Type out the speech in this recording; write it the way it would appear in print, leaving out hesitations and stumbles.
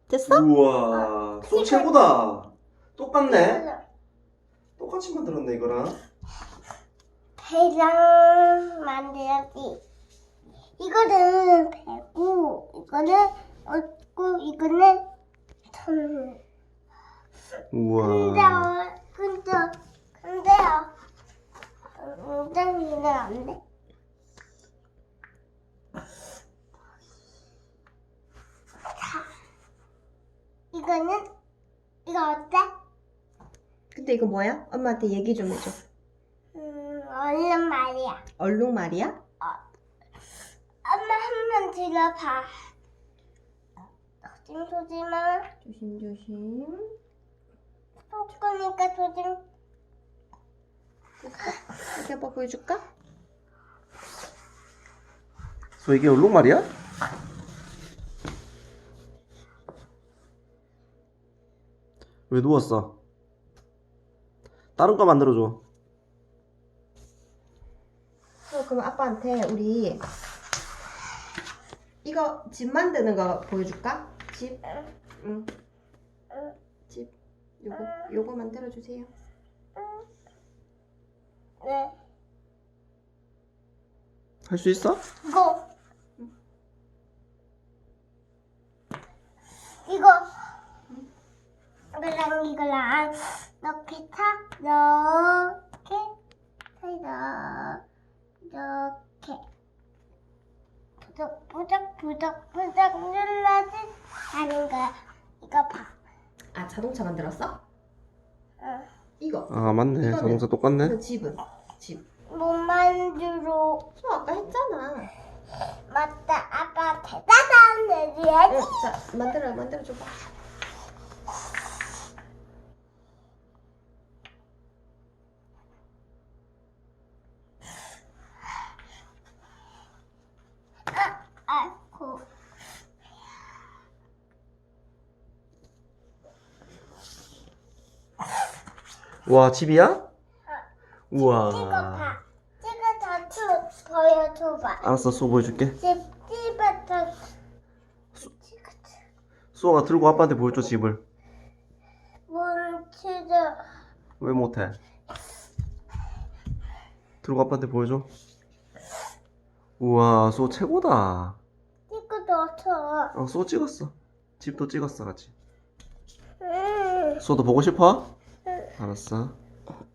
됐어? 우와, 소 최고다. 똑같네. 똑같이 만들었네 이거랑. 배랑 만들었지. 이거는 배고, 이거는 얻고, 이거는 손. 우와. 근데요. 엉덩이는 안 돼. 자, 이거 어때? 근데 이거 뭐야? 엄마한테 얘기 좀 해줘. 얼른 말이야. 얼룩말이야? 엄마 한 번 들어봐. 조심조심아. 조심조심. 속 거니까 조심. 이렇게 아빠 보여줄까? 소 이게 얼룩말이야? 왜 누웠어? 다른 거 만들어줘. 그럼 아빠한테 우리 이거 집 만드는 거 보여줄까? 집? 응. 집. 요거 만들어 주세요. 네. 할 수 있어? 이거랑 이거랑 이렇게 이렇게 부적 눌러지 하는 거야. 이거 봐. 아, 자동차 만들었어? 응. 이거. 아 맞네. 이거는- 자동차 똑같네. 이거 집은? 집. 못 만들어. 저 아까 했잖아. 맞다. 아빠 대단한 애지야지. 응, 자, 만들어 줘봐. 아이고. 와 집이야? 이거 우와. 봐. 이거 더 보여줘봐. 알았어, 소 보여줄게. 집부터 소가 들고 아빠한테 보여줘 집을. 뭉치죠. 왜 못해? 들고 아빠한테 보여줘. 우와, 소 최고다. 이거 넣어줘. 소 찍었어. 집도 찍었어 같이. 응. 소도 보고 싶어? 알았어.